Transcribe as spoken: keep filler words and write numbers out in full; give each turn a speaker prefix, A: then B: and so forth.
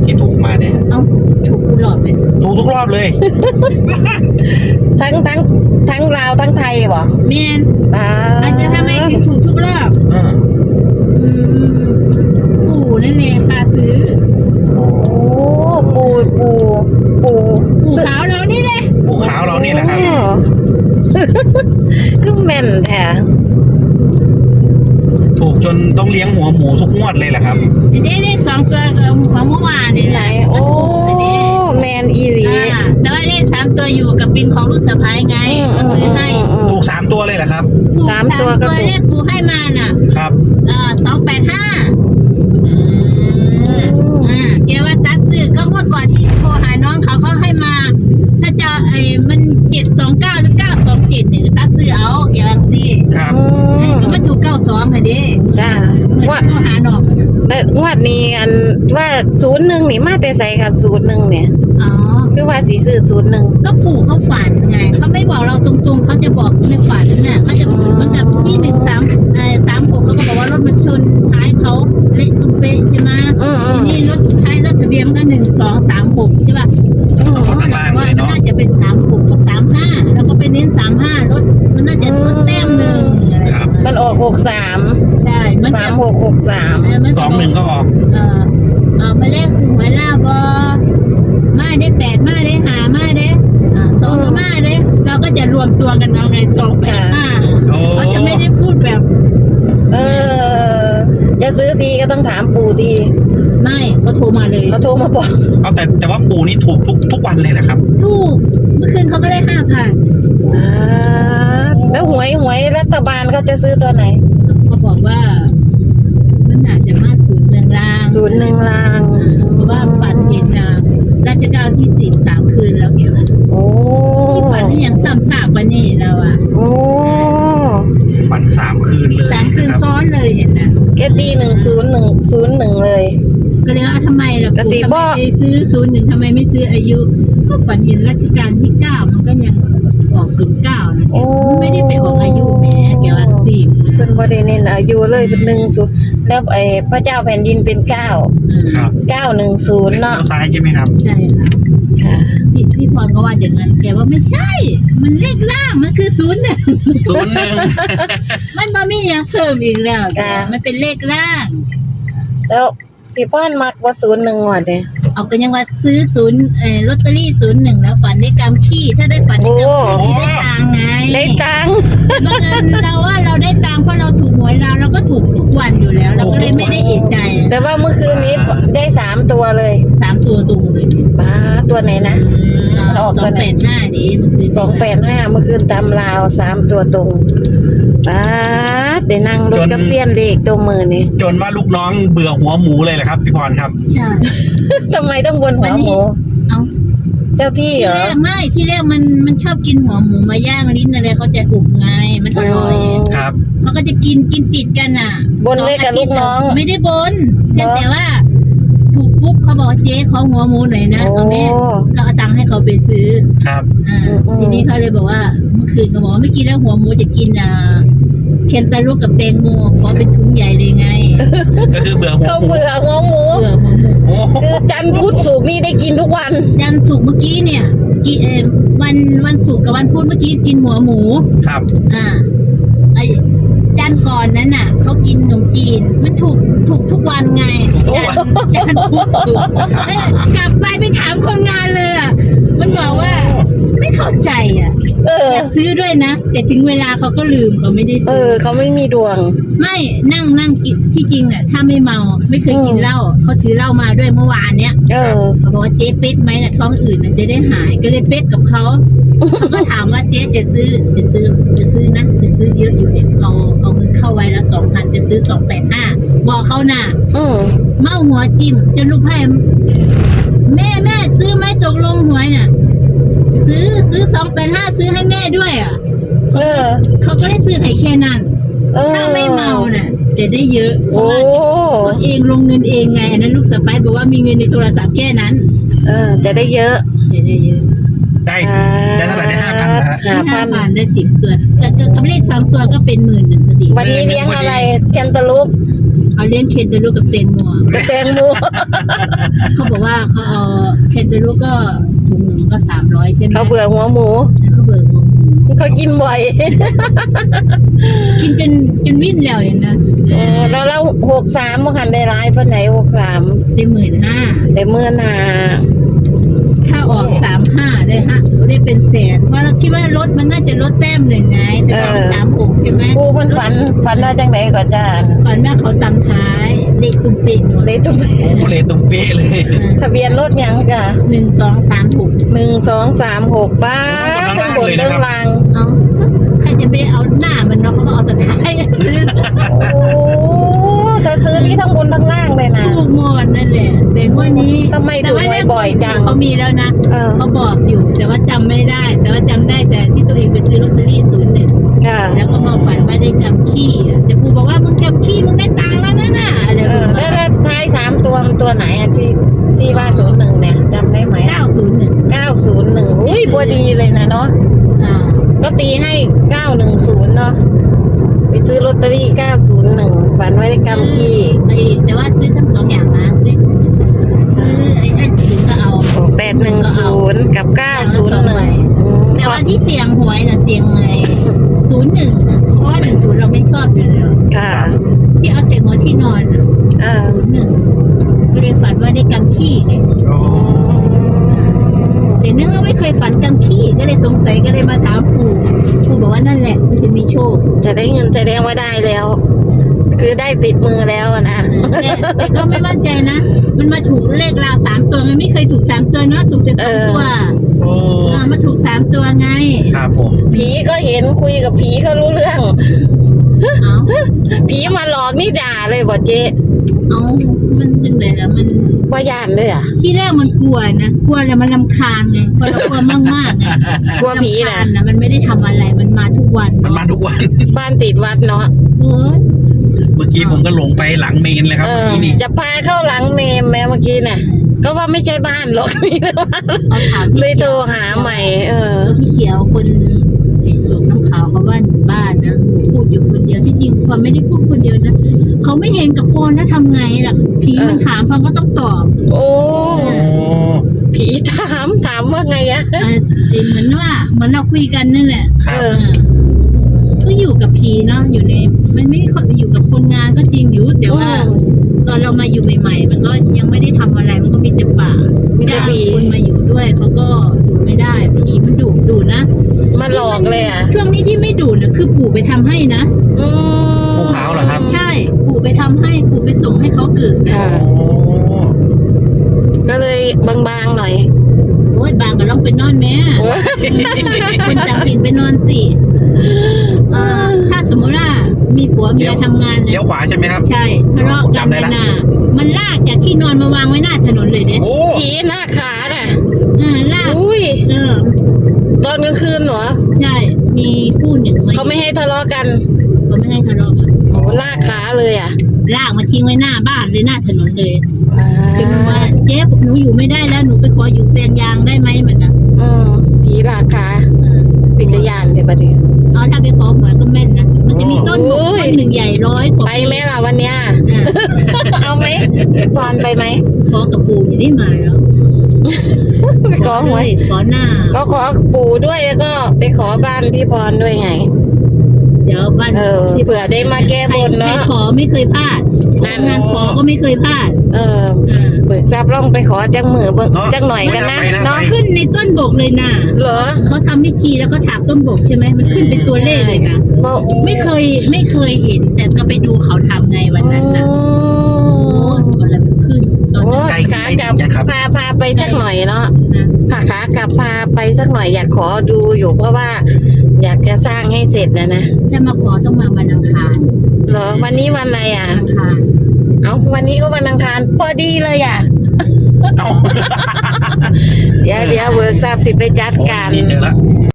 A: ที่ถูกมาเนี่ย
B: เอ้าถูกทุกรอบเลย
A: ถูกทุกรอบเลย
C: ทั้งทั้งทั้งลาวทั้งไทยบ่
B: แมน
C: อ่า
B: อาจจะทำไมถึงถูกทุกรอบ
A: อ่า
B: อืมปู่นั่นเองพาซื้อ
C: โอ้ปูปูปู
B: ปู่ขาวเรานี่เลย
A: ภูขาวเรานี่แหละครับ
C: โอ้ คือแม่นแท้
A: ถูกจนต้องเลี้ยงหัวหมูทุกงวดเลยแหละครับ
B: ได้เลขสองตัวของเมื่อวานนี่
C: ไห
B: แห
C: น
B: ละ
C: โอ้แม่นอีหลี
B: อ่าแต่ว่าเลขสามตัวอยู่กับบินของลูกสะพ้ายไง
C: อืม
B: ก็ซื้อให้
C: อืม
A: ถูกสามตัวเลยเหรอครับ
B: ถูก
C: สา
B: สาม ม
C: ตั
B: ตัว ว
C: ก็ถูก
B: เลขปู่ให้มาน่ะ
A: ครับ
B: เอ่อสองแปดห้า
A: อืม
B: อ่าแกว่าตัดซื้อก็เมื่อก่อนที่โทรหาน้องเขาเขาให้มา ถ้าจะไอ้มันเจ็ดสองเก้าหรือเก้าสองเจ็ดเนี่ยตัดซื้อเอาแกว่าสิ
A: ครับ
C: อืม
B: ก็มาถูกเก้าสองค่ะเด้
C: จ้า
B: เมื่อ
C: ว่า
B: โทรหาน้อง
C: แล้วงวดนี้อันว่าศูนย์หนึ่งนี่มาแต่ใส่ค่ะศูนย์หนึ่งเนี่ย
B: อ๋อ
C: คือว่าสีซื้อศูนย์หนึ่ง
B: ก็ปู่เขาฝันไงเขาไม่บอกเราตรงๆเขาจะบอกในฝันน่ะเขาจะเหมันกับที่หนึ่งสามเอ่อสามหกเขาก็บอกว่ารถมันชนท้ายเขาเละตุ้มเป๊ะใช่ไหม
C: อืมอื
B: ที
C: ม
B: นี้รถท้ายรถทะเบียนมันก็หนึ่งสองสามหกใช่ป่ะ
C: อืม
A: ข้างล่างเลยเนาะ
B: น่าจะเป็นสามหกกับสามห้าแล้วก็ไปเน้นสามห้ารถมันน่าจะลดแต้มหนึ่งอะไร
A: ครับ
C: มันออกหกสาม
B: ใช่มัน
C: สา
B: จะ
C: มหกหกสาม
B: เมัน
A: ส
B: จะ
A: องหนึ่งก็ออก
B: เออเออมาแรกสูงไว้ล่าบอมาได้แปดมาได้หามาได้อ่าสองก็มาได้เราก็จะรวมตัวกันเอาไงสองแปดห้า
A: โอ้
B: เขาจะไม่ได้พูดแบบ
C: เออ จะซื้อทีก็ต้องถามปู่ที
B: ไม่เขาโทรมาเลย
C: เขาโทรมาบอก
A: เอาแต่แต่ว่าปู่นี่ถูกทุกทุกวันเลยแหละครับ
B: ถูกเมื่อคืนเขาก็ได้ห้าพัน
C: อ่าแล้วหวยหวยรัฐบาลเขาจะซื้อตัวไหน
B: เขาบอกว่ามันอาจจะมาศูนย์หนึ่งล่าง
C: ศูนย์หนึ่งลาง
B: เพราะว่าฝันเห็นอ่ะราชการที่สิบสามคืนแล้วเกี่ยวกับ
C: โอ้
B: ที่ฝันนี่ยังซ้ำซากกว่านี่เราอ่ะ
C: โอ้
A: ฝันสามคืนเลย
B: สามคืน
A: นะครับ
B: ซ้อนเลยเห็นนะ
C: แกตีหนึ่งศูนย์หนึ่งศูนย์หนึ่งเลย
B: ก็เลยว่าทำไมล่ะ
C: กระซิบ
B: ทำไม
C: บอก
B: ไปซื้อศูนย์หนึ่งทำไมไม่ซื้ออายุก็ฝันเห็นรัชกาลที่เก้ามันก็ยังออกศูนย์เก้านะ
C: โอ้
B: มันไม่ได้ไปออกอายุแหม่เกี่ยวกับสี่
C: เพิ่นบ่ได้เน้นอายุเลยเป็นหนึ่งศูนย์แล้วไอ้พระเจ้าแผ่นดินเป็นเก้า
A: ครับ
C: เก้าหนึ่งศูนย์
A: เลี้
C: เนาะ
A: ยวซ้ายใช่ไหมครับ
B: ใช่ค่ะ
C: ค่ะ
B: พี่พี่พรก็ว่าอย่างนั้นแกว่าไม่ใช่ มันเลขล่างมันคือศูนย์หนึ่ง
A: ศูนย์หนึ่ง
B: มันบ่มีอย่างเพิ่มอีกแล้ว
C: จ้ะ
B: มันเป็นเลขล่าง
C: แล้วพี่ป้อนมักว่าศูนย์หนึ่งว่ะเด้
B: เอาก็ยังว่าซื้อศูนย์เอ่อลอตเตอรี่ศูนย์หนึ่งแล้วฝันได้กำขี้ถ้าได้ฝันได้กำขี้ได้ตังค์ไง
C: ได้ตังค์
B: บังเอิญเราว่าเราได้ตังค์เพราะเราถูกหวยเราเราก็ถูกทุกวันอยู่แล้ว เราก็เลยไม่ได้เอะใจ
C: แต่ว่าเมื่อคืนนี้ได้สามตัวเลย
B: สามตัวตรงเลย
C: ป้าตัวไหนนะ
B: สองแปดหน้าดิมันคือ
C: สองแปดห้าเมื่อคืนตำลาวสามตัวตรงป้าดได้นั่งรถกับเซียนเลขตัวมือนี่
A: จนว่าลูกน้องเบื่อหัวหมูเลยแหละครับพี่พรครับ
B: ใช่
C: ทำไมต้องบนหัวหมู
B: เอา
C: เจ้าที่
B: ที่
C: เหรอ
B: แรกไม่ที่แรกมันมันชอบกินหัวหมูมาย่างลิ้นอะไรเขาจะอุบไงมันอร่อย
A: ครับ
B: เขาก็จะกินกินติดกันอ่ะ
C: บนเลขกับลูกน้อง
B: ไม่ได้บน
C: เหรอ
B: แต่ว่า ถูกปุ๊บเขาบอกเจ๊ขอหัวหมูหน่อยนะ
C: โอ้
B: เอาแม่ก็เอาตังค์ให้เขาไปซื้อ
A: ครับ
B: อ่า
C: อืมอืม
B: ทีนี้เขาเลยบอกว่าเมื่อคืนเขาบอกว่าไม่กินแล้วหัวหมูจะกินอ่าเคนตาลูกกับแตงโมขอเป็นถุงใหญ่เลยไง
A: ก็คือเบื่อหัว
C: เขา
A: หมู
C: เบื่อหัวหมู
B: เบื่อหัวหมู
A: โอ้โห
C: คือจันทร์พุธศุกร์นี่ได้กินทุกวัน
B: ยันสุกร์เมื่อกี้เนี่ยกินเออวันวันศุกร์กับวันพุธเมื่อกี้กินหัวหมู
A: ครับ
B: อ่าไอ้จานก่อนนั้นน่ะเขากินขนมจีนมันถูกถูกทุกวันไงจานจานพุธศุกร์เอ้ยกลับไปไปถามคนงานเลยอ่ะมันบอกว่าไม่เข้าใจอ่ะ
C: เออ
B: อยากซื้อด้วยนะแต่ถึงเวลาเขาก็ลืมเขาไม่ได้
C: เอ
B: ซื้อ
C: อ เขาไม่มีดวง
B: ไม่นั่งนั่งกินที่จริงอ่ะถ้าไม่เมาไม่เคยกินเหล้าเขาถือเหล้ามาด้วยเมื่อวานเนี้ย
C: เออ
B: เขาบอกว่าเจ๊เป็ดไหมน่ะท้องอื่นน่ะจะได้หายก็เลยเป็ดกับเขาเขาก็ถามว่าเจ๊จะซื้อจะซื้อจะซื้อนะจะซื้อเยอะอยู่เนี่ยเอาเอาเงินเข้าไว้ละสองพันจะซื้อสองแปดห้าบอกเขาน่ะ
C: อืม
B: เมาหัวจิ้มจนลูกไพ่แม่แม่ซื้อไหมตกลงหวยน่ะ ซื้อซื้อสองแปดห้าซื้อให้แม่ด้วยอ่ะ
C: เออ
B: เขาก็ได้ซื้อให้แค่นั้น
C: เออ
B: ถ้าไม่เมาน่ะจะได้เยอะเพ
C: โอ้
B: ราะว่าตัวเองลงเงินเองไงอันนั้นลูกสะใภ้บอกว่ามีเงินในโทรศัพท์แค่นั้น
C: เออ จะได้เยอะ
B: จะได้เยอะ
A: ได้ได้เท่าไหร่ได้ห้าพันนะฮะ
C: ห้าพั
B: ห้าน พันได้สิบตัวแต่กับเลขสองตัวก็เป็นหมื่นหนึ่งพอดี
C: วันนี้เลี้ยงอะไรแคนตาลูป
B: เขาเลี้ยงเคนตาลูกกับเตนมัว
C: กระแตงโม
B: เขาบอกว่าเขาเอาเคนตาลูกก็ถุงหนึ่งก็สามร้อยใช่ไหม
C: เขาเบื่อหัวหมู
B: แล้วเขาเบื่อหมู
C: เขากินบ่อย
B: กินจนจนวิ่นแล้วเนี่ยนะ
C: เออแล้วแล้วหกสามเมื่อคันได้ร้ายเพิ่นไหนหกสาม
B: ได้หมื่นห้า
C: ได้เมื่อนา
B: ถ้าออกสามห้าได้ฮะได้เป็นแสนเพราะเราคิดว่ารถมันน่าจะลดแต้มหนึ่งไงแต่ออกสามหกใช่ไหม
C: กูเพิ่นฝันฝันว่าจังไดก่อนจาน
B: ก่อนว่าเขาตำท้ายเลขตุ้มเป่งหมด
C: เลยตุ้ม
A: โอ้เลยตรงเป๊ะเลย
C: ทะเบียนรถหยังจ้ะ
B: หนึ่งสองสามหก
C: หนึ่งสองสามหกป้าทั้งบนเรื่องราง
B: เอาใครจะไปเอาหน้ามันเนาะเขาก็เอาแต่ท้ายซื้อ
C: โอ้แต่ซื้อนี่ทั้งบนทั้งล่างเลยนะ
B: ถูกหมดนั่นแหละแต่งวันนี้
C: ทำไมถูกบ่อยๆจัง
B: เขามีแล้วนะ
C: เออ
B: เขาบอกอยู่แต่ว่าจำไม่ได้ แต่ว่าจำได้แต่ที่ตัวเองไปซื้อลอตเตอรี่ศูนย์หนึ่ง
C: ค่ะ
B: แล้วก็มาฝันว่าได้จำขี้อ่ะแต่ครูบอกว่ามึงจำขี้มึงได้ตังค์แล้วนะน่ะอะไร
C: เอ
B: ประ
C: อ
B: มา
C: แล้ว
B: ณ
C: แล้วท้ายสามตัวมันตัวไหนอะที่ที่ว่าศูนย์หนึ่งเนี่ยจำได้ไหม
B: เก้าศูนย์หนึ่ง
C: เก้าศูนย์หนึ่งอุ้ยบัวดีเลยนะเนาะ
B: อ่า
C: ก็ตีให้เก้าหนึ่งศูนย์เนาะไปซื้อลอตเตอรี่เก้าศูนย์หนึ่งฝันไว้ได้กำขี้
B: ไอ้แต่ว่าซื้อทั้งสองอย่างนะซื้อซื้อไอ้ไอ้ศูนย์ก็เอา
C: แปดหนึ่งศูนย์กับเก้าศูนย์หนึ่ง
B: แต่ว่าที่เสียงหวยน่ะเสียงไงศูนย์หนึ่งนะเพราะว่าหนึ่งศูนย์เราไม่ชอบอยู่แล้ว
C: ค่ะ
B: ที่เอาเสียงหัวที่นอนน่ะ
C: เออ
B: ศูนย์หนึ่งก็เลยฝันว่าได้กำขี้ไง
A: โอ้
B: แต่เนื่องว่าไม่เคยฝันกำขี้ก็เลยสงสัยก็เลยมาถามปู่ปู่บอกว่านั่นแหละมันจะมีโชค
C: จะได้เงินแสดงว่าได้แล้ว คือได้ติดมือแล้วอะนะ
B: แต่แต่ก็ไม่มั่นใจนะ มันมาถูกเลขราวสามตัวมันไม่เคยถูกสามตัวเนาะถูกแต่สองตัว
A: โอ้
B: เออมาถูกสามตัวไง
A: ครับผม
C: ผีก็เห็นคุยกับผีเขารู้เรื่อง
B: เอา
C: ผีมาหลอกนี่ด่าเลยบ่เจ๊
B: เอามันเป็นไงล่ะมัน
C: ว่าย่านเลยอ่ะ
B: ที่แรกมันกลัวนะกลัวแล้วมันรำคาญไงพอเรากลัวมากมากๆไง
C: กลัวผี
B: รำ
C: นะ
B: คาญนะมันไม่ได้ทำอะไรมันมาทุกวัน
A: มันมาทุกวัน
C: บ้านติดวัดเนาะ
B: เฮ้ย
A: เมื่อกี้ผมก็หลงไปหลังเมนเลยครับ
C: เอ
A: เมื่อ
C: อ
A: กี้นี่
C: จะพาเข้าหลังเมมแม้เมื่อกี้น่ะ ก็ว่าไม่ใช่บ้านหรอก นี่นะบ้าน
B: เอาถาม
C: เล
B: พี่
C: ยโทรหาใหม่ เออ
B: เออพี่เขียวคนไอ้สูบน้ำขาวเขาว่าบ้านนะพูดอยู่คนเดียวที่จริงความไม่ได้พูดคนเดียวนะเขาไม่เห็นกับโพนนะทำไงล่ะผีมันถามพังก็ต้องตอบ
C: โอ้
A: โอ้
C: ผีถามถามว่าไงอะ
B: เออเหมือนว่าเหมือนเราคุยกันนั่นแหละ
A: ครับ
B: เออก็อยู่กับผีเนาะอยู่ในมันไม่ค่อยอยู่กับคนงานก็จริงอยู่แต่ว่า ตอนเรามาอยู่ใหม่ๆ มันก็ยังไม่ได้ทำอะไรมันก็มีแต่ป่า
C: มีแต่
B: จ้าง
C: ผี
B: คนมาอยู่ด้วยเขาก็อยู่ไม่ได้ผีมันดุดุนะ
C: มาหลอกเลยอ่ะ
B: ช่วงนี้ที่ไม่ดุนะคือปู่ไปทำให้นะ
C: อืม
A: ภูเขาเหรอครับ
B: ใช่ปู่ไปทำให้ปู่ไปส่งให้เขาเกิดนะ
C: ค่ะ
A: โอ้
C: ก็เลยบางๆหน่อย
B: โอ้ยบางก็ลองไปนอนแม่
C: โอ้ย
B: คนต่างถิ่นไปนอนสิเออถ้าสมมติว่ามีผัวเมียทำงาน
A: เลี้ยว
B: นะ
A: ขวาใช่ไหมครับ
B: ใช่ทะเลาะกัน
A: จำได้
B: เลย
A: ละ
B: นะมันลากจากที่นอนมาวางไว้หน้าถนนเลยเนี่ย
A: โอ้
C: ผีหน้าขาน่ะ
B: เออลาก
C: อุ้ย
B: เออ
C: ตอนกลางคืนเหรอ
B: ใช่ มีคู่หนึ่ง
C: เขาไม่ให้ทะเลาะกัน
B: เขาไม่ให้ทะเลาะกัน
C: โอ้ลากขาเลยอ่ะ
B: ลากมาทิ้งไว้หน้าบ้านเลยหน้าถนนเลย
C: อ่า
B: จนมันว่าเจ๊หนูอยู่ไม่ได้แล้วหนูไปขออยู่แปลงยางได้ไหมมันนะ
C: อืมผีลากขา
B: เออ
C: ปิตยานเดี๋ยวประเดี๋ยว
B: เอาถ้าไปขอหวยก็แม่นนะมันจะมีต้นบก
C: โอ้ย
B: ต้นหนึ่งใหญ่ร้อยกว่า
C: ไปไหมล่ะวันเนี้ย
B: อ่ะ
C: เอาไหมพี่ปอนไปไหม
B: ขอกับปู่อยู่ได้มาแล้ว
C: ไปขอหวย
B: ขอหน้า
C: ก็ขอปู่ด้วยแล้วก็ไปขอบ้านพี่พรด้วยไง
B: เดี๋ยวบ้าน
C: เออเผื่อได้มาแก้บนเนอะ
B: ใครขอไม่เคยพลาด
C: นั่น
B: งานขอก็ไม่เคยพลาด
C: เออ
B: อ่า
C: เบิกทรัพย์ล่องไปขอจังมือเบิก
A: เนอะ
C: จังหน่อยกันนะ
A: ไปนะ
C: เนาะ
A: ไป
B: ขึ้นในต้นบกเลยนะ
C: เหรอ
B: เขาทำพิธีแล้วก็ถากต้นบกใช่ไหมมันขึ้นเป็นตัวเลขเลยนะ
C: ก็
B: ไม่เคยไม่เคยเห็น แต่ก็ไปดูเขาทำไงวันนั้นนะ
C: อื
B: โอ้
C: ม
B: ยวันละมันขึ้นตอน
C: โอ้
B: นั้น
A: ใกล้
C: ขากลับ
A: ใกล้ยังครับ
C: พาพาไปสักหน่อยเนาะ
B: นะ
C: พาขากลับพาไปสักหน่อยอยากขอดูอยู่เพราะว่า อยากจะสร้างให้เสร็จนะนะ
B: ถ้ามาขอต้องมาวันอังคาร
C: เหรอวันนี้วันอะไรอ่ะ
B: อังคาร
C: เอาวันนี้ก็วันอังคารพอดีเลยอ่ะ
A: เอ้า
C: เดี๋ยวเดี๋ยวเวิร์กทราบสิไปจัด
A: โอ้
C: การ
A: นี่เจอแล้ว